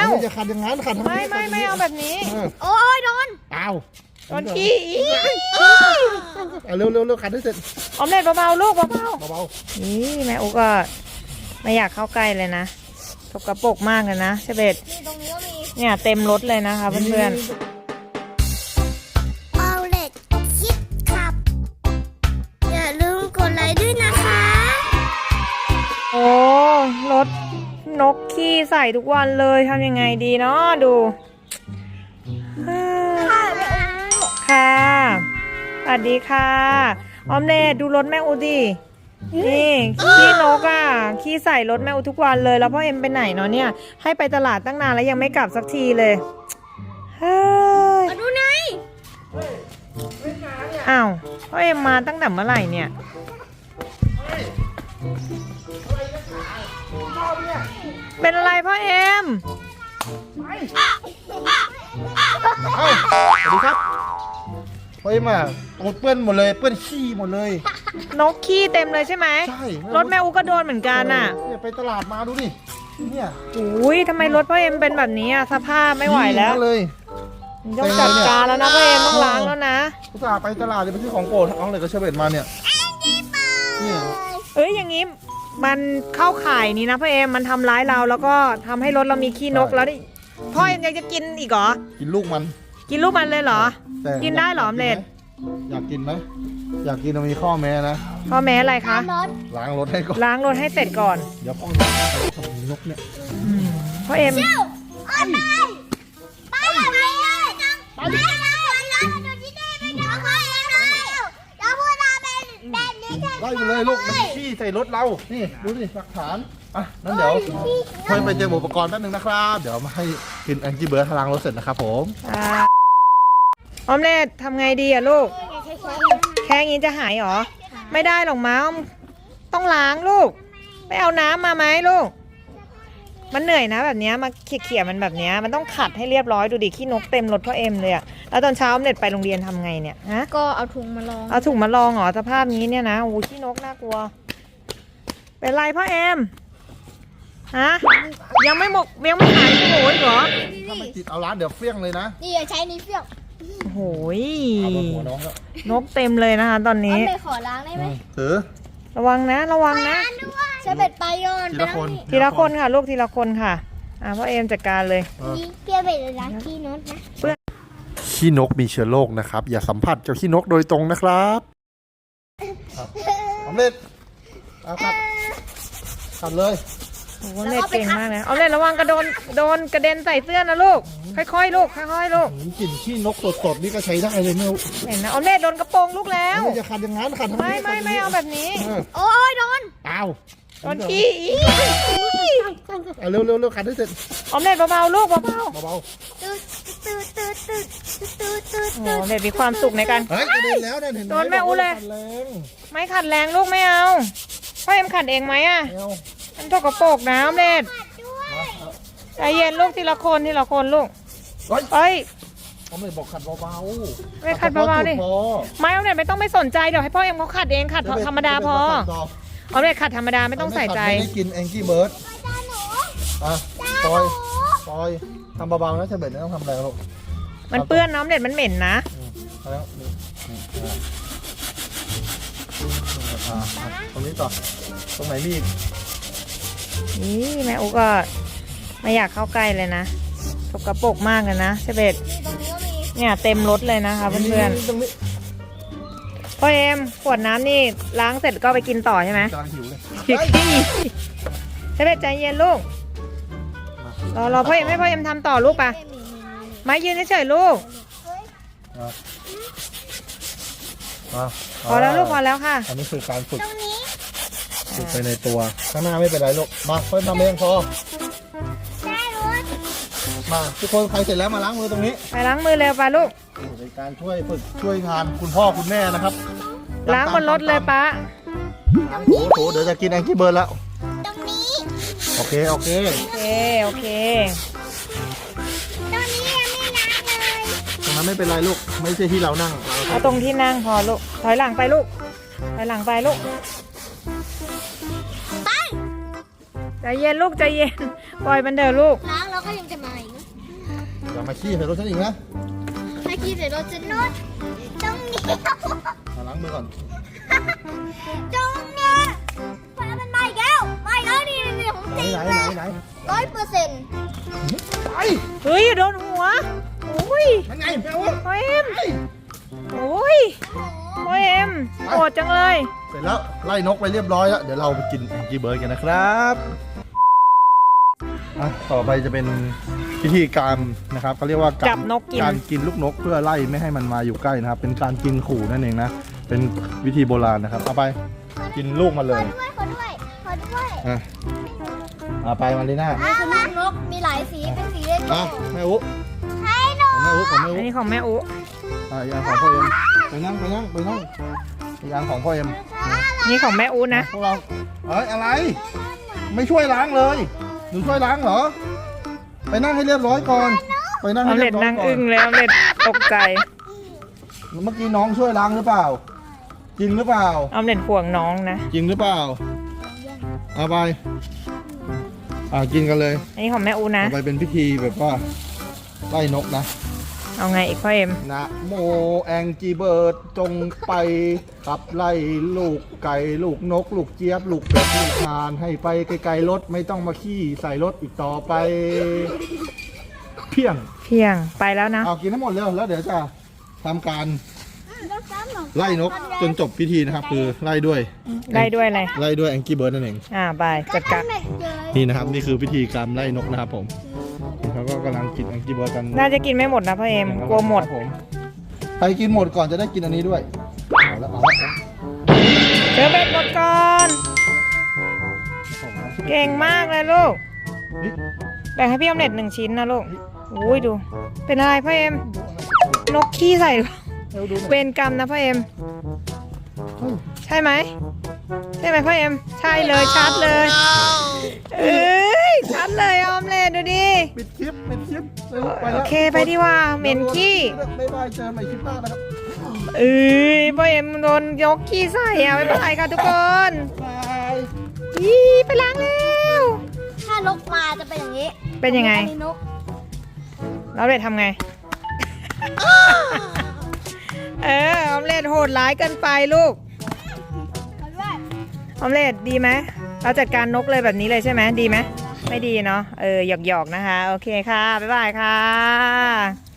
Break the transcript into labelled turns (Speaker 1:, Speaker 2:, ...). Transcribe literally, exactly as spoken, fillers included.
Speaker 1: จะขัดอย่างนั้นขัดทำไม
Speaker 2: ไม่ไม่ไม่เอาแบบนี้
Speaker 3: โอ้ยโดน
Speaker 1: อ้าว
Speaker 2: โดนขี้
Speaker 1: เอาเร็วเร็วเร็วขัดให้เสร็จ
Speaker 2: ออมเล็ตเบาๆลูกเบา
Speaker 1: เบา
Speaker 2: ๆนี่แม่อุ๊กก็ไม่อยากเข้าใกล้เลยนะสกปรกมากเลยนะเชเบต
Speaker 3: นี่ตรงนี้ก็มี
Speaker 2: เนี่ยเต็มรถเลยนะคะเพื่อน
Speaker 3: ๆเอาเล็ดคิดขับอย่าลืมกดไลค์ด้วยนะคะ
Speaker 2: โอ้รถนกขี้ใส่ทุกวันเลยทำยังไงดีเนาะดูค่ะสวัสดีค่ะออมเล็ตดูรถแม่อูดินี่ขี้นกอ่ะขี้ใส่รถแม่อูทุกวันเลยแล้วพ่อเอ็มไปไหนเนาะเนี่ยให้ไปตลาดตั้งนานแล้วยังไม่กลับสักทีเลยเฮ้ย
Speaker 3: มาดูไหน
Speaker 2: อ้าวพ่อเอ็มมาตั้งแต่เมื่อไหร่เนี่ยเป็นอะไรพ่อเอ็ม
Speaker 1: เอ้าสวัสดีครับเฮ้ยมาโอ้เปื้อนหมดเลยเปื้อนขี้หมดเลย
Speaker 2: นกขี้เต็มเลยใช่ไหม
Speaker 1: ใช่
Speaker 2: รถแม่อูก็โดนเหมือนกันอ่ะ
Speaker 1: เนี่ยไปตลาดมาดูดิเนี่ย
Speaker 2: อุ้ยทำไมรถพ่อเอ็มเป็นแบบนี้อ่ะสภาพไม่ไหวแล้ว
Speaker 1: เลย
Speaker 2: ต้องจัดการแล้วนะพ่อเอ็มต้องล้างแล้วนะ
Speaker 1: อุตส่าห์ไปตลาดเลยไปซื้อของโปรดเอาเลยก็เชเบตมาเนี่ยเนี่ย
Speaker 2: เอ้ยอย่างนี้มันเข้าข่ายนี่นะพ่อเอ็มมันทำร้ายเราแล้วก็ทำให้รถเรามีขี้นกแล้วดิพ่อเอ็มยังจะกินอีกเหรอ
Speaker 1: กินลูกมัน
Speaker 2: กินลูกมันเลยเหรอกินได้เหรอออมเล็ต
Speaker 1: อยากกินไหมอยากกินต้องมีข้อแม้นะ
Speaker 2: ข้อแม้อะไรคะ
Speaker 1: ล้างรถให้ก่อน
Speaker 2: ล้างรถให้เสร็จก่อน
Speaker 1: เดี๋ยวพ่อเอ็มทำนกเนี่ย
Speaker 2: พ่อเอ็ม
Speaker 3: ไปไปไปเลยไปเลยดูที่นี่ไม่ดูพ่อเอ็มเลยแล้วพูดมาเป็นแบบนี้ใช่ไหม
Speaker 1: ไล่ไปเลยลูกมันขี้ใส่รถเรานี่ดูสิหลักฐานอ่ะนั้นเดี๋ยวพ่อไปเตรียมอุปกรณ์แป๊บนึงนะครับเดี๋ยวมาให้กินแองกี้เบิร์ดล้างรถเสร็จนะครับผม
Speaker 2: ออมเล็ตทำไงดีอะลูกแค่นี้จะหายหรอไม่ได้หรอกม้าต้องล้างลูกไปเอาน้ำมาไหมลูกมันเหนื่อยนะแบบนี้มาเขี่ยๆมันแบบนี้มันต้องขัดให้เรียบร้อยดูดิขี้นกเต็มรถพ่อเอ็มเลยอะแล้วตอนเช้าออมเล็ตไปโรงเรียนทำไงเนี่ยฮะ
Speaker 3: ก็เอาถุงมาลอง
Speaker 2: เอาถุงมาลองเหรอสภาพนี้เนี่ยนะโอ้ขี้นกน่ากลัวเป็นไรพ่อเอ็มฮะยังไม่หมกยังไม่หายโหยเหรอ
Speaker 1: ถ้าไม่ติดเอาร้านเดี๋ยวเฟี้ยงเลยนะ
Speaker 3: นี่อย่าใช้นี้เฟี้ยง
Speaker 2: โอ้ยนกเต็มเลยนะคะตอนนี้
Speaker 3: ไปขอล้างได้ไหม
Speaker 1: ถือ
Speaker 2: ระวังนะระวังนะ
Speaker 3: ใช้เบ็ดไปโยน
Speaker 1: ทีละคน
Speaker 2: ทีละคนค่ะลูกทีละคนค่ะอ่าพ่อเอ็มจัดการเลย
Speaker 3: เปียเบ็ดล้างขี้นกนะ
Speaker 1: เพื่อขี้นกมีเชื้อโรคนะครับอย่าสัมผัสเจ้าขี้นกโดยตรงนะครับสำเร็จเอาครับขัดเลย
Speaker 2: โอ้โหเล็ดเก่งมากเลยเอาเลยระวังกระโดนโดนกระเด็นใส่เสื้อนะลูกค่อยๆลูกค่อยๆลูก
Speaker 1: กลิ่นขี้นกสดๆนี่ก็ใช้ได้เลยเนี่ย
Speaker 2: เห็นนะเอาเล็ดโดนกระโปรงลูกแล้ว
Speaker 1: จะขัดอย่างนั้นขัดทำไม
Speaker 2: ไม่ไม่ไม่เอาแบบนี้
Speaker 3: โอ้ยโดน
Speaker 1: อ้าว
Speaker 2: โดนขี้
Speaker 1: เอาเร็วเร็วเร็วขัดให้เสร็จ
Speaker 2: เอาเล็ดเบาๆลูกเบาๆเบา
Speaker 3: ๆตืดตืดตืดตืดตืดตืด
Speaker 2: โอ้เล็ดมีความสุขในการ
Speaker 1: เฮ้ยกระเด็นแล้วเนี่ยเห็นไหม
Speaker 2: โดนแม่อู้เลยไม่ขัดแรงลูกไม่เอาพ่อเอ็มขัดเองไหมอ่ะมันตกกระโปรงน้ำเล็ดใจเย็นลูกทีละคนทีละคนลูกเฮ้ย
Speaker 1: เขาไม่บอกขัดเบาๆ
Speaker 2: ไม่ขัดเบาๆดิไม่เอาเล็ดไม่ต้องไม่สนใจเดี๋ยวให้พ่อเอ็มเขาขัดเองขัดธรรมดาพอเอาเล็ดขัดธรรมดาไม่ต้องใส่ใจ
Speaker 1: ไม่ได้กินแองกี้เบิร์ดอ่ะปล่อยปล่อยทำเบาๆนะเชเบตไม่ต้องทำแรงลูก
Speaker 2: มันเปื้อนน้ำเล็ดมันเหม็นนะ
Speaker 1: แล้วตรงนี้ต่อตรงไหนมีอีก
Speaker 2: นี่แม่อุ๊กก็ไม่อยากเข้าใกล้เลยนะสกปรกมากเลยนะเชเบตเนี่ยเต็มรถเลยนะคะเพื่อนๆพ่อเอ็มขวดน้ำนี่ล้างเสร็จก็ไปกินต่อใช่ไหม
Speaker 1: กำลังหิวเลย
Speaker 2: เชเบตใจเย็นลูกรอรอพ่อเอ็มให้พ่อเอ็มทำต่อลูกปะไม่ยืนเฉยๆลูกพอแล้วลูกพอแล้วค่ะ
Speaker 1: อันนี้คือการฝึกฝึกไปในตัวข้างหน้าไม่เป็นไรลูกมาค่อยทำเองพอมาทุกคนใครเสร็จแล้วมาล้างมือตรงนี้
Speaker 2: ไปล้างมือเร็วปะลูก
Speaker 1: เป็นการช่วยฝึกช่วยงานคุณพ่อคุณแม่นะครับ
Speaker 2: ล้างบนรถเลยป้า
Speaker 1: โอ้โหเดี๋ยวจะกินแองกี้เบิร์ดแล้ว
Speaker 3: ตรงนี้
Speaker 1: โอเคโอเค
Speaker 2: โอเคโอเค
Speaker 3: ตรงนี้ยังไม่ล้างเลย
Speaker 1: ตรงนั้นไม่เป็นไรลูกไม่ใช่ที่เรานั่ง
Speaker 2: เอาตรงที่นั่งพอลูกถอยหลังไปลูกถอยหลังไปลูก
Speaker 3: ไป
Speaker 2: ใจเย็นลูกใจเย็นปล่อยมันเถอะลูก
Speaker 3: ล้างแล้วก็ยังจะมาอีก
Speaker 1: อย่ามาขี้ใส่รถฉันอีกนะ
Speaker 3: ถ้าขี้ใส่รถจะนวดตรงนี้
Speaker 1: มาล้างมือก่อน
Speaker 3: ตรงเนี้ยพอมันมาอีกแล้วมาอีกแล้วนี่นี่ของ
Speaker 1: ไหน
Speaker 3: จริง
Speaker 1: ไหน
Speaker 3: เล
Speaker 1: ไหน
Speaker 3: ย
Speaker 1: ไหน
Speaker 3: ร้อยเปอร์เซ็นต์
Speaker 1: ไป
Speaker 2: เฮ้ยอย่าโดนหัวโอ้ย
Speaker 1: นั่นไงแมว
Speaker 2: พ่อเอ็มโอ้ยพ่อเอ็มโกรธจังเลย
Speaker 1: เสร็จแล้วไล่นกไปเรียบร้อยแล้วเดี๋ยวเราไปกินแองกี้เบิร์ดกันนะครับอ่ะต่อไปจะเป็นพิธีการนะครับเขาเรียกว่า
Speaker 2: จับนกกิน
Speaker 1: การกินลูกนกเพื่อไล่ไม่ให้มันมาอยู่ใกล้นะครับ เป็นการกินขู่นั่นเองนะเป็นวิธีโบราณนะครับเอาไปกินลูกมาเล
Speaker 3: ขอย ด้วยขอด้วยขอด้วย
Speaker 1: อ่ะเอาไปมาลีน่า
Speaker 3: อ่ะคือนกมีหลายสีเป็นสีเล็ก
Speaker 1: อ่ะแม่อุ
Speaker 3: ให้น
Speaker 1: ของแม่อุของแม่อุ
Speaker 2: อันนี้ของแม่อุ
Speaker 1: อ่ะอีกอันของพ่อเอ็มไปนั่งไปนั่งไปนั่งอีกอันของพ่อเอ็ม
Speaker 2: นี่ของแม่อุนะ
Speaker 1: พวกเราเอ้ยอะไร ไม่ช่วยล้างเลยหนูช่วยล้างเหรอ ไปนั่งให้เรียบร้อยก่อน ไปนั่ง
Speaker 2: อ
Speaker 1: ให้
Speaker 2: อม
Speaker 1: เรี
Speaker 2: เล็
Speaker 1: ย
Speaker 2: ด
Speaker 1: บร้อย
Speaker 2: นั่ง
Speaker 1: ก่อ
Speaker 2: อึ้
Speaker 1: น
Speaker 2: งเลยออมเล็ดตกใจ
Speaker 1: เมื่อกี้น้องช่วยล้างหรือเปล่า จริงหรือเปล่า
Speaker 2: ออมเล็ดห่วงน้องนะ
Speaker 1: จริงหรือเปล่าเอาไปอ่ากินกันเลย
Speaker 2: อันนี้ของแม่อุนะ
Speaker 1: เอาไปเป็นพิธีแบบว่าไล่นกนะ
Speaker 2: เอาไงอีกพ่อเอ็ม
Speaker 1: นะโมแองจีเบิร์ดจงไปขับไล่ลูกไก่ลูกนก ลูกเจี๊ยบ ลูกเป็ดลูกห่านให้ไปไกลๆรถไม่ต้องมาขี้ใส่รถอีกต่อไป เพียง
Speaker 2: เพียงไปแล้วนะ
Speaker 1: เอากินทั้งหมดเลยแล้วเดี๋ยวจะทำการ
Speaker 3: กซ้ำหน
Speaker 1: ไล่นกจนจบพิธีนะครับ คือไล่ด้วย
Speaker 2: ได้ด้วยอะไร
Speaker 1: ไล่ด้วยแองกี้เบิร์ดนั่นเอง
Speaker 2: อ่าบายจัดการ
Speaker 3: แม็กเจอ
Speaker 1: นี่นะครับนี่คือพิธีการไล่นกนะครับผมเขาก็กำลังกินแองกี้เบิร์ดกัน
Speaker 2: น่าจะกินไม่หมดนะพ่อเอ็มกลัวหมด
Speaker 1: ครับผใครกินหมดก่อนจะได้กินอันนี้ด้วยเอาละเอาละ
Speaker 2: เจอเบ็ดหมดก่อน เก่งมากเลยลูก
Speaker 1: นี่
Speaker 2: แบ่งให้พี่ออมเล็ตหนึ่งชิ้นนะลูกอุ้ยดู เป็นอะไรพ่อเอ็ม นกขี้ใส่หรือเปล่า
Speaker 1: เร็วดูหน่อย
Speaker 2: เวรกรรมนะพ่อเอ็ม
Speaker 1: เฮ้ย
Speaker 2: ใช่ไหม ใช่ไหมพ่อเอ็ม ใช่เลยชัดเลย เอ้ยชัดเลยออมเล็ตดูดิ
Speaker 1: ปิดคลิปปิดคลิปเร็วไป
Speaker 2: โอ
Speaker 1: แล้ว
Speaker 2: เคไปดีกว่าเหม็นขี้
Speaker 1: บ๊ายบายเจอกันใหม่คลิปหน้านะครับ
Speaker 2: เอ้ยพ่อเอ็มโดนยกขี้ใส่อะไม่เป็นไรค่ะทุกคน
Speaker 1: บาย
Speaker 2: ยี่ไปล้างแล้ว
Speaker 3: ถ้านกมาจะเป็นอย่างนี้
Speaker 2: เป็นยังไง
Speaker 3: อันนี้นก
Speaker 2: แล้วเล็ดทำไง เออออมเล็ตโหดร้ายเกินไปลูก
Speaker 3: ขอด้วย
Speaker 2: ออมเล็ตดีไหมเราจัดการนกเลยแบบนี้เลยใช่ไหมดีไหมไม่ดีเนาะเออหยอกๆนะคะ โอเคค่ะ บ๊ายบายค่ะ